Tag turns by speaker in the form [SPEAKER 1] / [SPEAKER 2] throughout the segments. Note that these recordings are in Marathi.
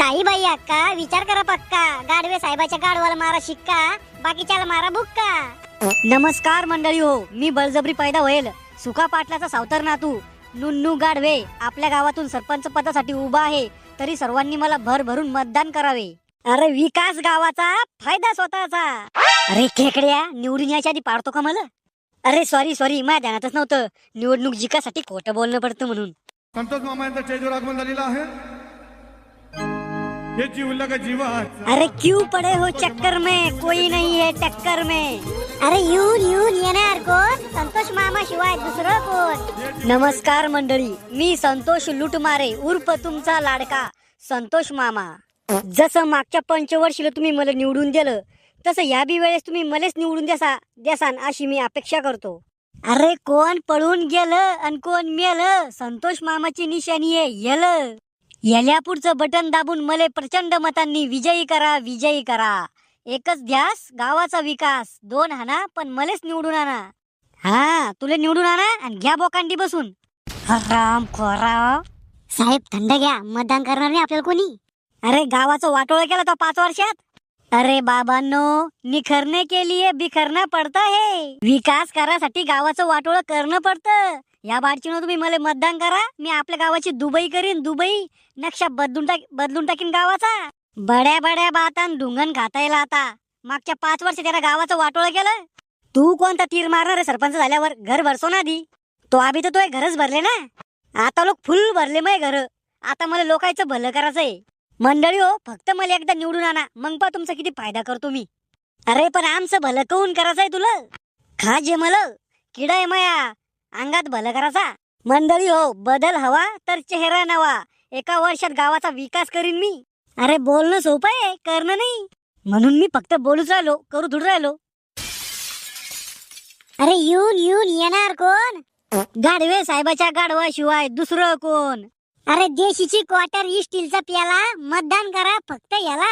[SPEAKER 1] काही बाई अक्का विचार करा पक्का, गाडवे साहेबाच्या गाडवाला मारा शिक्का, बाकीच्याला मारा बुक्का।
[SPEAKER 2] नमस्कार मंडळी हो, मी बळजबरी पैदा होईल सुका पाटलाचा सावतर नातू नुन्नू गाडवे आपल्या गावातून सरपंच पदासाठी उभा आहे, तरी सर्वांनी मला भरभरून मतदान करावे। अरे विकास गावाचा, फायदा स्वतःचा। अरे खेकड्या, निवडून यायच्या आधी पाडतो का मला? अरे सॉरी माझ्या ध्यानातच नव्हतं, निवडणूक जिंकासाठी खोटं बोलणं पडतं म्हणून।
[SPEAKER 3] संतोष मामा यांचा स्टेजवर आगमन झालेला आहे। हे जीवला का जीवात।
[SPEAKER 2] अरे क्यों पड़े हो चक्कर में, कोई नहीं है टक्कर में।
[SPEAKER 1] अरे येऊन येणार कोण? संतोष मामा शिवाय दुसरं कोण?
[SPEAKER 2] नमस्कार मंडळी, मी संतोष लुटमारे उर्फ तुमचा लाडका संतोष मामा। जसं मागच्या पंचवर्षीला तुम्ही मला निवडून दिलं, तसं या बी वेळेस तुम्ही मलाच निवडून द्यासान अशी मी अपेक्षा करतो। अरे कोण पळून गेलं आणि कोण मेलं, संतोष मामाची निशाणी आहे येलं। याल्या पुढचं बटन दाबून मले प्रचंड मतांनी विजयी करा। एकच ध्यास, गावाचा विकास। 2 हाना पण मलेच निवडून आणा। हा, तुला निवडून आणा आणि घ्या बोकांडी बसून। हराम खोरा
[SPEAKER 1] साहेब थंड घ्या, मतदान करणार नाही आपल्याला कोणी।
[SPEAKER 2] अरे गावाचं वाटोळं केलं तो 5 वर्षात। अरे बाबांनो, निखरने के लिए बिखरना पड़ता है। विकास करासाठी गावाचं वाटोळं करणं पडतं। या बारचीनं तुम्ही मला मतदान करा, मी आपल्या गावाची दुबई करीन, दुबई नक्षा बदलून टाकीन गावाचा। बड्या बातान ढुंगण खाता येईल आता। मागच्या 5 वर्ष त्याला गावाचं वाटोळं केलं। तू कोणता तीर मारणार आहे सरपंच झाल्यावर? घर भरसो ना आधी तो, आधी तर तो घरच भरले ना, आता लोक फुल भरले मग घर। आता मला लोकांचं भलं करायचंय। मंडळी हो, फक्त मला एकदा निवडून आणा, मग पा तुमचा किती फायदा करतो मी। अरे पण आमचं भलं करून करायचंय तुला? खा जे मला किडा आहे माया अंगात भलं करायचा। मंडळी हो, बदल हवा तर चेहरा नवा। एका वर्षात गावाचा विकास करीन मी। अरे बोलणं सोपं आहे, करणं नाही, म्हणून मी फक्त बोलूच राहिलो, करू थोडं राहिलो।
[SPEAKER 1] अरे येऊन येणार कोण?
[SPEAKER 2] गाडवे साहेबाच्या गाडवाशिवाय दुसरं कोण?
[SPEAKER 1] अरे देशीची क्वार्टर स्टीलचा प्याला, मतदान करा फक्त याला।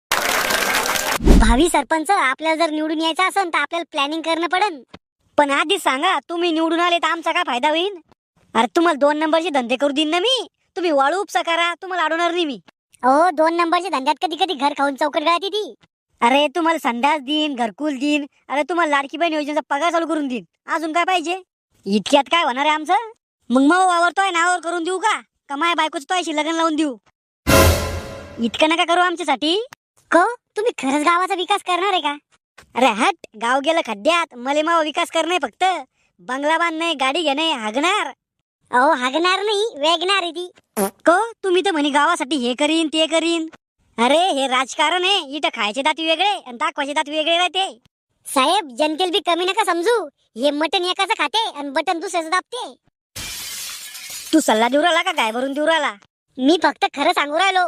[SPEAKER 1] भावी सरपंच आपल्याला जर निवडून यायचं असेल तर आपल्याला प्लॅनिंग करणं पडन।
[SPEAKER 2] पण आधी सांगा, तुम्ही निवडून आले तर आमचा काय फायदा होईल? अरे तुम्हाला 2 नंबरचे धंदे करू देईन ना मी। तुम्ही वाळू उपसा करा, तुम्हाला अडवणार नाही मी।
[SPEAKER 1] अहो 2 नंबरच्या धंद्यात कधी घर खाऊन चौकट गळती ती।
[SPEAKER 2] अरे तुम्हाला संडास देईन, घरकुल देईन, अरे तुम्हाला लाडकी बहीण योजनेचा पगार चालू करून देईन। अजून काय पाहिजे? इतक्यात काय होणार आहे आमचं? मग वावरतोय नावावर करून देऊ का माया बायकोच तोयशी लग्न लावून देऊ? इतकं नका करू आमच्यासाठी।
[SPEAKER 1] को तुम्ही खरंच गावाचा विकास करणार आहे का?
[SPEAKER 2] अरे हट, गाव गेलं खड्ड्यात, मले मावा विकास करणे फक्त। बंगला बांधणे, गाडी घेणे, हागणार।
[SPEAKER 1] अहो हागणार नाही, वेगणार आहे ती।
[SPEAKER 2] को तुम्ही तर म्हणे गावासाठी हे करीन ते करीन। अरे हे राजकारण आहे, इथं खायचे दात वेगळे आणि दाखवायचे दात वेगळे राहते।
[SPEAKER 1] साहेब जनतेल बी कमी नका समजू, हे मटन एकाचं खाते आणि बटन दुसऱ्याचं दाबते।
[SPEAKER 2] तू सल्ला देऊ राहिला का गाय भरून देऊ राहिला?
[SPEAKER 1] मी फक्त खरं सांगू राहिलो।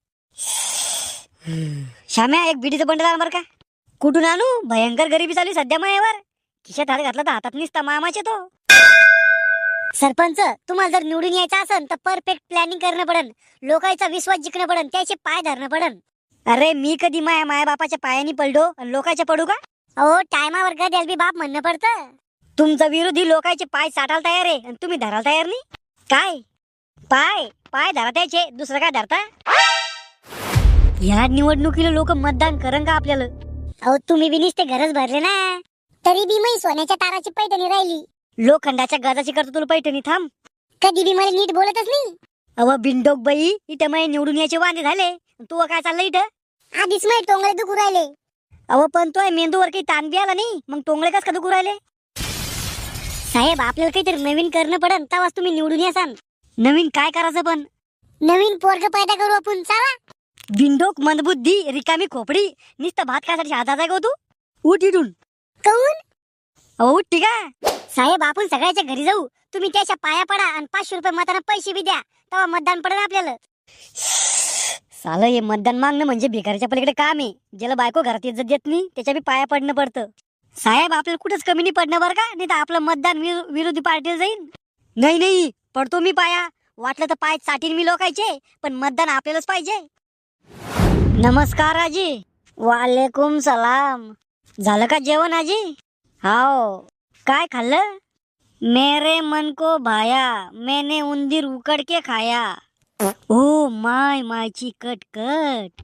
[SPEAKER 2] श्याम्या, एक बिडीचं बंडल आण बर का। कुठून आणू? भयंकर गरिबी चालू सध्या मायावर। खिशात हात घातला तर हातात निसता मामाचे तो।
[SPEAKER 1] सरपंच तुम्हाला जर निवडून यायचं असेल तर परफेक्ट प्लॅनिंग करणं पडन, लोकांचा विश्वास जिंकणं पडन, त्याचे पाय धरणं पडन।
[SPEAKER 2] अरे मी कधी माया बापाच्या पायानी पडलो आणि लोकांच्या पडू का?
[SPEAKER 1] अहो टायमावर गद्याल बी बाप म्हणणं पडतं।
[SPEAKER 2] तुमचा विरोधी लोकांचे पाय साठायला तयार आहे आणि तुम्ही धरायला तयार नाही काय? पाय धरा त्याचे, दुसरं काय धरता? या निवडणुकीला लोक मतदान करन का आपल्याला?
[SPEAKER 1] अहो तुम्ही बी नुसते घरच भरले ना, तरी बी मी सोन्याच्या ताराची पैठणी राहिली।
[SPEAKER 2] लोखंडाच्या गजाची करतो तुला पैठणी। थांब,
[SPEAKER 1] कधी बी मला नीट बोलतच नाही।
[SPEAKER 2] अव बिंडोक बाई, इथं मला निवडून यायचे वांदे झाले, तू काय चाललं इथं?
[SPEAKER 1] आधीच माझे टोंगळे दुखू राहिले।
[SPEAKER 2] अव पण तो मेंदूवर काही ताण बी आला नाही, मग टोंगळे कस का दुखू राहिले?
[SPEAKER 1] साहेब आपल्याला काहीतरी नवीन करणं पडन, तेव्हाच तुम्ही निवडून यासान।
[SPEAKER 2] नवीन काय करायचं पण?
[SPEAKER 1] नवीन पोरग पैदा करू आपण, चला।
[SPEAKER 2] बिंडोक मंदबुद्धी रिकामी खोपडी, नुसतं भात खायसाठी हातात आहे का तू? उठ इथून।
[SPEAKER 1] काऊन?
[SPEAKER 2] अहो उठ ठीक आहे।
[SPEAKER 1] साहेब आपण सगळ्याच्या घरी जाऊ, तुम्ही त्याच्या पाया पडा आणि 500 रुपये मताना पैसे बी द्या, तेव्हा मतदान पडेल आपल्याला।
[SPEAKER 2] सालं हे मतदान मागणं म्हणजे भिकारीच्या पलीकडे काम आहे। ज्याला बायको घरात इज्जत देत नाही त्याच्या बी पाया पडणं पडतं। साहेब आपल्याला कुठंच कमी नाही पडणं बरं का, नाही तर आपलं मतदान विरोधी पार्टीला जाईल। नाही पडतो मी पाया, वाटलं तर पाय चाटीन मी लोकायचे, पण मतदान आपल्यालाच पाहिजे। नमस्कार आजी। वालेकुम सलाम। झालं का जेवण आजी? हाओ। काय खाल्लं? मेरे मन को भाया, मैंने उंदीर उकड़ के खाया। ओ माय मायची कट कट.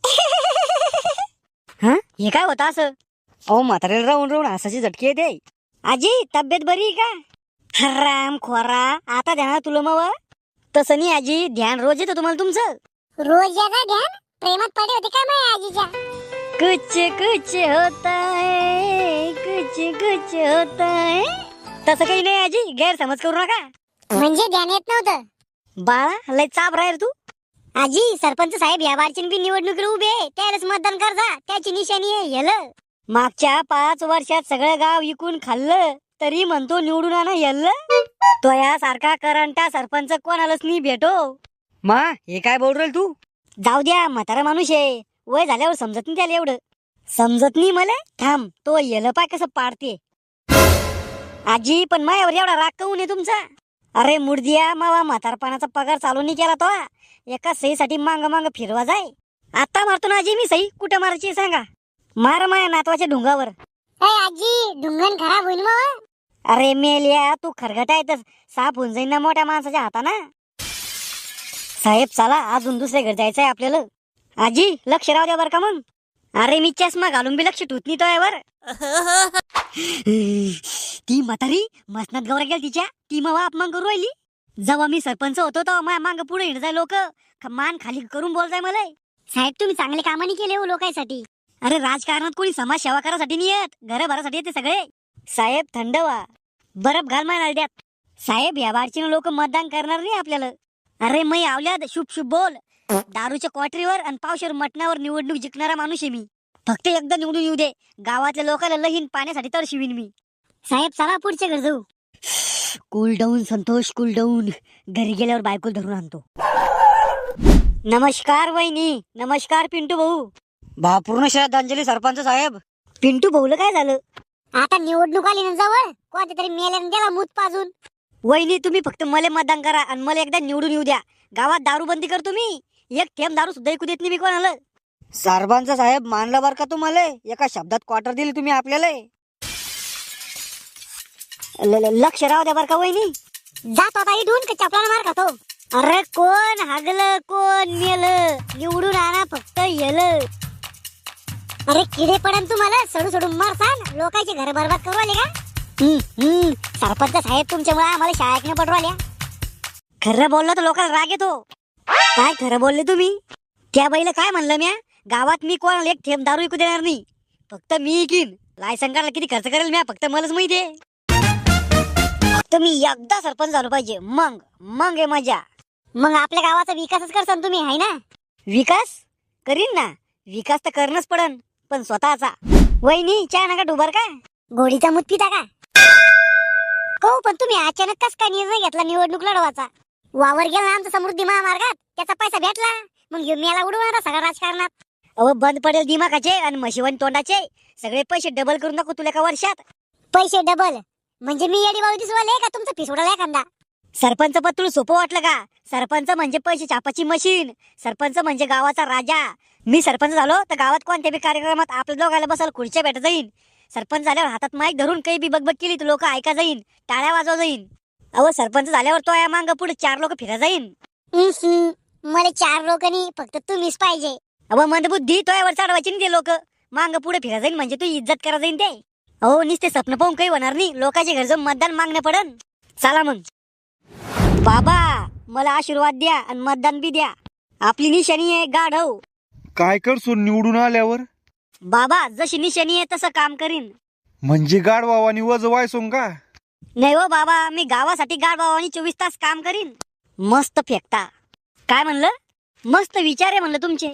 [SPEAKER 2] हा हे काय होतं असं? अहो म्हाताऱ्याला राहून राहून हसाची झटके येते. आजी तब्येत बरी आहे का? राम खोरा आता ध्यान तुला मग. तसं नाही आजी, ध्यान रोज येतं तुम्हाला तुमचं.
[SPEAKER 1] रोज याचा ध्यान प्रेमात पडे होते का माझ्या आजीच्या?
[SPEAKER 2] कुछ कुछ होता है, कुछ कुछ होता है. तसं काही नाही आजी, गैरसमज करू नका.
[SPEAKER 1] म्हणजे ध्यान येत नव्हतं?
[SPEAKER 2] बाळा लय चाप राहील तू.
[SPEAKER 1] आजी सरपंच साहेब या बारची बी निवडणुकीला उभे आहे, त्यालाच मतदान करजा, त्याची निशाणी आहे येलं.
[SPEAKER 2] मागच्या 5 वर्षात सगळं गाव विकून खाल्लं तरी म्हणतो निवडून आणा येल्लं. तो यासारखा करंटा सरपंच कोणालाच नाही भेटो. मा हे काय बोल राहील तू? जाऊ द्या, म्हातारा माणूस आहे, वय झाल्यावर समजत नाही त्याला एवढं. समजत नाही मला. थांब तो येलं पाय कसं पाडते. आजी पण मायावर एवढा राग काऊन आहे तुमचा? अरे मुर्दिया, मावा म्हातारपणाचा पगार चालू नाही केला तो. एका सहीसाठी मांग मांग फिरवा जाय. आता मारतो ना आजी मी सही, कुठं मारायची सांगा? मार माया नातवाच्या ढुंगावर.
[SPEAKER 1] आजी ढुंगण खराब होईल मग.
[SPEAKER 2] अरे मेल्या, तू खरगटा येतच साफ होऊन जाईन ना मोठ्या माणसाच्या हाताना. साहेब चला, अजून दुसऱ्या घर जायचंय आपल्याला. आजी लक्ष राहू द्या बर का मग. अरे मी चष्मा घालून बी लक्ष ठेवत नाही तो यावर. ती म्हातारी मसनात गौरा गेल तिच्या, ती मग अपमान करू राहिली. जेव्हा मी सरपंच होतो तेव्हा माझ्या मांग पुढे हिंड जाय लोक, मान खाली करून बोल जाय मला.
[SPEAKER 1] साहेब तुम्ही चांगले कामानी केले हो लोकांसाठी.
[SPEAKER 2] अरे राजकारणात कोणी समाज सेवा करासाठी नाही येत, घर भरासाठी येते सगळे. साहेब थंड व्हा, बरफ घाल माय नळद्यात. साहेब या बारचीनं लोक मतदान करणार नाही आपल्याला. अरे मै आवल्यात शुभ शुभ बोल. दारूच्या क्वाटरीवर आणि पावशेर मटणावर निवडणूक जिंकणारा माणूस आहे मी. फक्त एकदा निवडून येऊ दे, गावातल्या लोकांना लहीन पाण्यासाठी तर शिवीन मी.
[SPEAKER 1] साहेब चला पुढच्या घर जाऊ.
[SPEAKER 2] Cool down Santosh, cool down. घरी गेल्यावर बायको धरून आणतो. नमस्कार वहिनी. नमस्कार पिंटू भाऊ. भावपूर्ण श्रद्धांजली सरपंच साहेब. पिंटू भाऊला काय झालं?
[SPEAKER 1] आता निवडणूक आली ना जवळ, कोणत्या तरी मेल्याने त्याला मूत पाजून.
[SPEAKER 2] वहिनी तुम्ही फक्त मला मतदान करा आणि मला एकदा निवडून येऊ द्या. गावात दारू बंदी करतो मी, एक थेंब दारू सुद्धा ऐकू देत नाही मी कोणाला. सरपंच साहेब मानलं बर का तुम्हाला, एका शब्दात क्वार्टर दिली तुम्ही आपल्याला. लक्ष राहू द्या बर का वहिनी.
[SPEAKER 1] जात आता इथून का चपलाने मार खातो.
[SPEAKER 2] अरे कोण हागलं कोण मेलं, निवडून आणा फक्त येलं.
[SPEAKER 1] अरे किडे पडन तुम्हाला, सोडू सोडून मारसान, लोकांचे घर बरबाद करू आले का?
[SPEAKER 2] सरपंच साहेब तुमच्यामुळे आम्हाला शाळा ऐकणं पडू आल्या. खरं बोललं तर लोकांना राग येतो. काय खरं बोलले तुम्ही? त्या बाईला काय म्हणलं म्या, गावात मी कोणाला एक थेंब दारू विकू देणार नाही, फक्त मी इकीन. लायसन काढायला किती खर्च करेल म्या, फक्त मलाच माहिती आहे. फक्त मी एकदा सरपंच झालो पाहिजे, मग आहे मजा.
[SPEAKER 1] मग आपल्या गावाचा विकासच करसान तुम्ही, आहे ना?
[SPEAKER 2] विकास करीन ना, विकास तर करणंच पडन, पण स्वतःचा. वहिनी चहा नका डुबर का?
[SPEAKER 1] गोडीचा मूत पिता का? हो पण तुम्ही अचानक कस काय निर्णय घेतला निवडणूक लढवायचा? वावर गेला ना आमचा समृद्धी महामार्गात, त्याचा पैसा भेटला, मग घेऊन मेला उडवणार सगळा राजकारणात.
[SPEAKER 2] अहो बंद पडेल दिमागाचे आणि म्हशीवान तोंडाचे, सगळे पैसे डबल करून दाखवू तुला एका वर्षात.
[SPEAKER 1] पैसे डबल म्हणजे मी येडी बाळू दिसवाले का तुमचा पिस उडाला एखादा?
[SPEAKER 2] सरपंच पद तुला सोपं वाटलं का? सरपंच म्हणजे पैसे छापाची मशीन, सरपंच म्हणजे गावाचा राजा. मी सरपंच झालो तर गावात कोणत्या बी कार्यक्रमात आपल्या दोघायला बसायला खुर्च्या भेटत जाईन. सरपंच झाल्यावर हातात माईक धरून काही बी बकबक केली तर लोक ऐका जाईन, टाळ्या वाजवा जाईन. अहो सरपंच झाल्यावर तो या मांग पुढे 4 लोक फिरा जाईन.
[SPEAKER 1] मला 4 लोकांनी फक्त तुम्हीच पाहिजे.
[SPEAKER 2] अहो मंदबुद्धी तो यावर चढवायची नाही ते लोक, मांग पुढे फिरा जाईन म्हणजे तू इज्जत करा जाईन ते. अहो नुसते स्वप्न पाहून काही होणार नाही, लोकांच्या घर जाऊन मतदान मागणं पडन. चला मग बाबा, मला आशीर्वाद द्या आणि मतदान बी द्या. आपली निशाणी आहे गाढव.
[SPEAKER 3] काय करसो निवडून आल्यावर?
[SPEAKER 2] बाबा जशी निशाणी आहे तसं काम करीन.
[SPEAKER 3] म्हणजे गाडवावानी वज वायसोंग का?
[SPEAKER 2] नाही हो बाबा, मी गावासाठी गाढवावानी 24 तास काम करीन. मस्त फेकता. काय म्हणलं? मस्त विचार आहे म्हणलं तुमचे.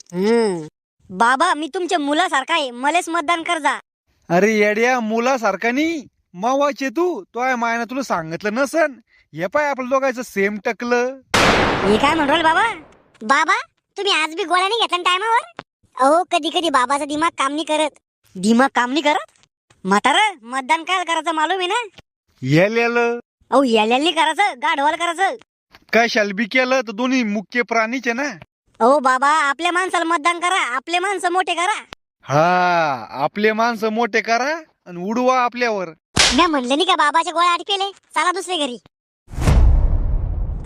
[SPEAKER 2] बाबा मी तुमच्या मुलासारखा आहे, मलेच मतदान कर जा.
[SPEAKER 3] अरे येड्या, मुलासारखा नाही मावाचे तू. तो आहे मायना तुला सांगितलं नसन. हे पाय आपलं दोघांचं सेम टकलं.
[SPEAKER 2] हे काय म्हणू बाबा?
[SPEAKER 1] बाबा तुम्ही आज बी गोळ्या नाही घेतला टायमावर? अहो कधी कधी बाबाचा दिमाग काम नाही करत.
[SPEAKER 2] दिमाग काम नाही करत? म्हातारा मतदान काय करायचं मालूम आहे ना?
[SPEAKER 3] येलेलं
[SPEAKER 2] अहो याल्यानी करायचं, गाढवाला करायचं.
[SPEAKER 3] काय शालबी केलं तर दोन्ही मुख्य प्राणीचे ना.
[SPEAKER 2] अहो बाबा आपल्या माणसाला मतदान करा, आपले माणसं मोठे करा.
[SPEAKER 3] हा, आपले माणसं मोठे करा आणि उडवा आपल्यावर.
[SPEAKER 1] मी म्हणलं नाही का बाबाच्या गोळ्या अटकेले, चला दुसरे घरी.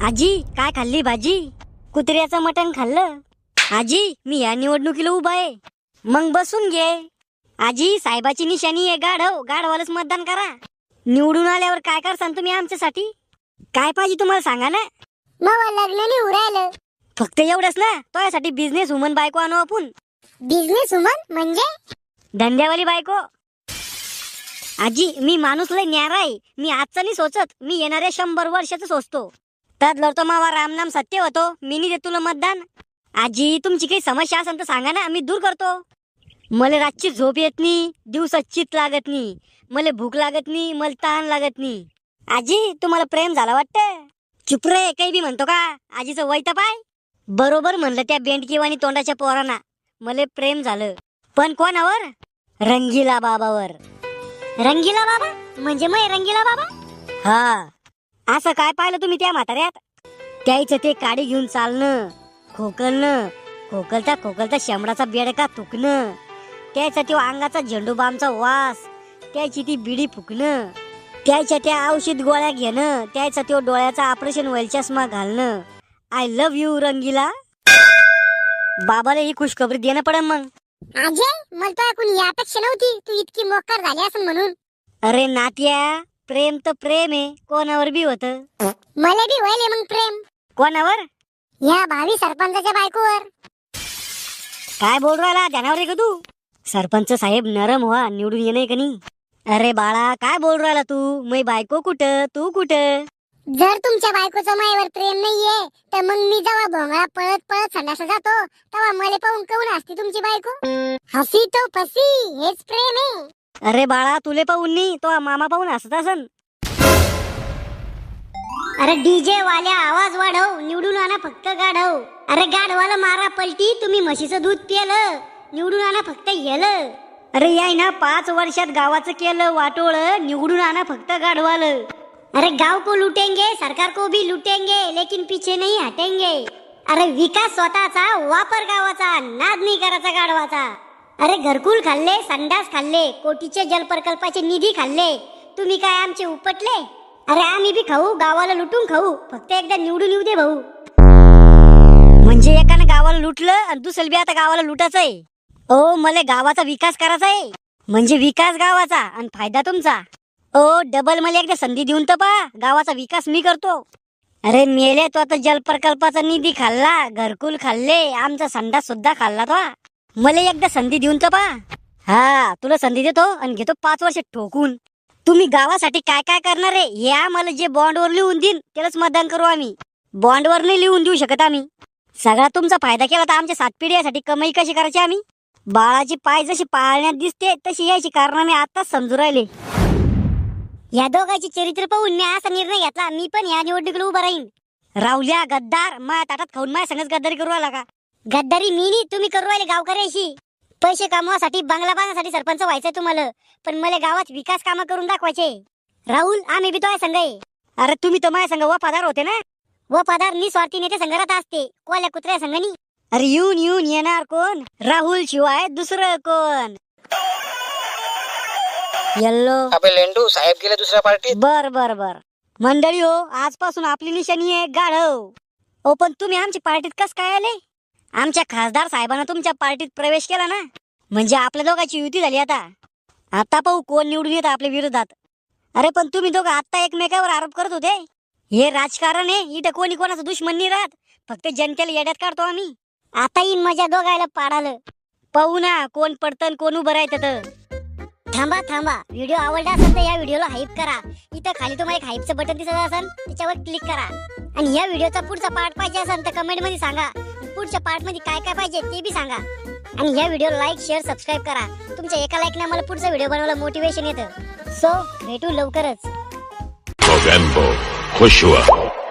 [SPEAKER 2] आजी काय खाल्ली भाजी? कुत्र्याचं मटण खाल्लं. आजी मी या निवडणुकीला उभा आहे. मग बसून घे. आजी साहेबाची निशाणी आहे गाढव, गाढवालाच मतदान करा. निवडून आल्यावर काय करसान तुम्ही आमच्यासाठी? काय पाहिजे तुम्हाला सांगा ना.
[SPEAKER 1] मग लग्न नाही उरायलं.
[SPEAKER 2] फक्त एवढंच ना, तो बिझनेस वुमन बायको आणू आपण.
[SPEAKER 1] बिझनेस वुमन म्हणजे?
[SPEAKER 2] धंद्यावाली बायको. आजी मी माणूस लय न्यारा आहे. मी आजचं नाही सोचत, मी येणाऱ्या 100 वर्षाचं सोचतो. त्यात लढतो मावा रामनाम सत्य होतो. मी नाही देत तुला मतदान. आजी तुमची काही समस्या असेल तर सांगा ना, मी दूर करतो. मला रातची झोप येत नाही, दिवसात चित लागत नाही, मला भूक लागत नाही, मला ताण लागत नाही. आजी तुम्हाला प्रेम झाला वाटतं. चुप रे, काही बी म्हणतो का? आजीचं वय तर पाय. बरोबर म्हणलं त्या बेंडकीवाणी तोंडाच्या पोरांना. मला प्रेम झालं, पण कोणावर? रंगीला बाबावर.
[SPEAKER 1] रंगीला बाबा म्हणजे मग रंगीला बाबा?
[SPEAKER 2] हा, असं काय पाहिलं तुम्ही त्या म्हाताऱ्यात? त्याचं ते काडी घेऊन चालणं, खोकलणं, खोकलता खोकलता शेंबडाचा बेडका तुकणं, त्याचा तो अंगाचा झेंडूबामचा वास, त्याची ती बिडी फुकणं, त्याच्या त्या औषध गोळ्या घेणं, त्याचा तो डोळ्याचा ऑपरेशन व्हायला चष्मा घालणं. I love you Rangeela. बाबाला ही खुशखबरी देणं पडन मग.
[SPEAKER 1] अजय मला तर कोणी अपेक्षा नव्हती तू इतकी मोकार झाली असं म्हणून.
[SPEAKER 2] अरे नात्या, प्रेम तर प्रेम आहे, कोणावर बी होत.
[SPEAKER 1] मला बी व्हायले मग प्रेम.
[SPEAKER 2] कोणावर?
[SPEAKER 1] या भावी सरपंचाच्या बायकोवर.
[SPEAKER 2] काय बोल राहिला, ध्यानावर आहे का तू? सरपंच साहेब नरम व्हा, निवडून येणे का नाही? अरे बाळा काय बोल राहिला तू? मै बायको कुठं, तू कुठं?
[SPEAKER 1] जर तुमच्या बायकोचं मायावर प्रेम नाहीये तर मग मी जेव्हा भोंगळा पळत पळत संडासला जातो तेव्हा मला पाहून काऊन हसते तुमची बायको? हसी तो फसी, हेच प्रेम आहे.
[SPEAKER 2] अरे बाळा तुले पाहून नाही, तो मामा पाहून हसत असन.
[SPEAKER 1] अरे डीजे वाल्या आवाज वाढव, निवडून आणा फक्त गाढव. अरे गाढवाला मारा पलटी, तुम्ही म्हशीचं दूध पिलं, निवडून आणा फक्त येलं.
[SPEAKER 2] अरे याय ना 5 वर्षात गावाचं केलं वाटोळ, निवडून आणा फक्त गाढवालं.
[SPEAKER 1] अरे गांव को लूटेंगे, सरकार को भी लूटेंगे, लेकिन पीछे नहीं हटेंगे. अरे विकास स्वतःचा, वापर गावाचा, नाद नाही करायचा गाढवाचा. अरे घरकुल खाल्ले, संडास खाल्ले, कोटीचे जल प्रकल्पाचे निधी खाल्ले, तुम्ही काय आमचे उपटले? अरे आम्ही बी खाऊ, गावाला लुटून खाऊ, फक्त एकदा निवडून येऊ दे भाऊ.
[SPEAKER 2] म्हणजे एकानं गावाला लुटलं आणि दुसरं बी आता गावाला लुटायचंय. ओ मला गावाचा विकास करायचा आहे, म्हणजे विकास गावाचा आणि फायदा तुमचा. ओ डबल मला एकदा संधी देऊन तर पा, गावाचा विकास मी करतो. अरे मेले तो आता जल प्रकल्पाचा निधी खाल्ला, घरकुल खाल्ले, आमचा संडास सुद्धा खाल्ला तो. मला एकदा संधी देऊन तर पा. हा तुला संधी देतो आणि घेतो 5 वर्ष ठोकून. तुम्ही गावासाठी काय काय करणार आहे हे आम्हाला जे बॉन्डवर लिहून देईन त्यालाच मतदान करू आम्ही. बॉन्डवर नाही लिहून देऊ शकत आम्ही. सगळा तुमचा फायदा केला तर आमच्या 7 पिढ्यासाठी कमाई कशी करायची आम्ही? बाळाची पाय जशी पाळण्यात दिसते तशी यायची कारण मी आताच समजू राहिले.
[SPEAKER 1] या दोघांची चरित्र पाहून मी असा निर्णय घेतला, मी पण या निवडणुकीला उभा राहीन.
[SPEAKER 2] राहुल्या गद्दार, माझ्या ताटात खाऊन माझ्या संगच गद्दारी करू आला का?
[SPEAKER 1] गद्दारी मी नाही, तुम्ही करू राहिले गावकऱ्याशी. पैसे कमवासाठी, बंगला बांधण्यासाठी सरपंच व्हायचंय तुम्हाला, पण मला गावात विकास कामं करून दाखवायचे. राहुल आम्ही बी तो संघ आहे.
[SPEAKER 2] अरे तुम्ही तर माझ्या संग वफादार होते ना.
[SPEAKER 1] वफादार निस्वार्थी नेते संघात असते, कोल्या कुत्र्या संघानी.
[SPEAKER 2] अरे येऊन येऊन येणार कोण? राहुल शिवाय दुसरं कोण? येल्लो
[SPEAKER 4] अबे लेंडू साहेब गेले दुसऱ्या पार्टीत.
[SPEAKER 2] बर बर बर मंडळी हो, आजपासून आपली निशाणी आहे गाढव. ओ पण तुम्ही आमच्या पार्टीत कस काय आले? आमच्या खासदार साहेबांना तुमच्या पार्टीत प्रवेश केला ना, म्हणजे आपल्या दोघांची युती झाली. आता पाहू कोण निवडून येतं आपल्या विरोधात. अरे पण तुम्ही दोघं आता एकमेकावर आरोप करत होते. हे राजकारण आहे, इथं कोणी कोणाचा दुश्मन नाही राहत, फक्त जनतेला येड्यात काढतो आम्ही.
[SPEAKER 1] आता येईन मजा दोघायला पाडालं.
[SPEAKER 2] पाहू ना कोण पडतं कोण उभं राहतं.
[SPEAKER 1] थांबा थांबा, व्हिडिओ आवडला असेल तर या व्हिडिओला हाईप करा. इथं खाली तुम्हाला एक हाईपचं बटन दिसत असेल, त्याच्यावर क्लिक करा. आणि या व्हिडिओचा पुढचा पार्ट पाहिजे असेल तर कमेंट मध्ये सांगा. पुढच्या पार्ट मध्ये काय काय पाहिजे ते बी सांगा. आणि या व्हिडिओला लाईक शेअर सबस्क्राईब करा. तुमच्या एका लाईकने मला पुढचा व्हिडिओ बनवायला मोटिवेशन येतं. सो भेटू लवकरच.
[SPEAKER 5] Movember, खुश हुआ.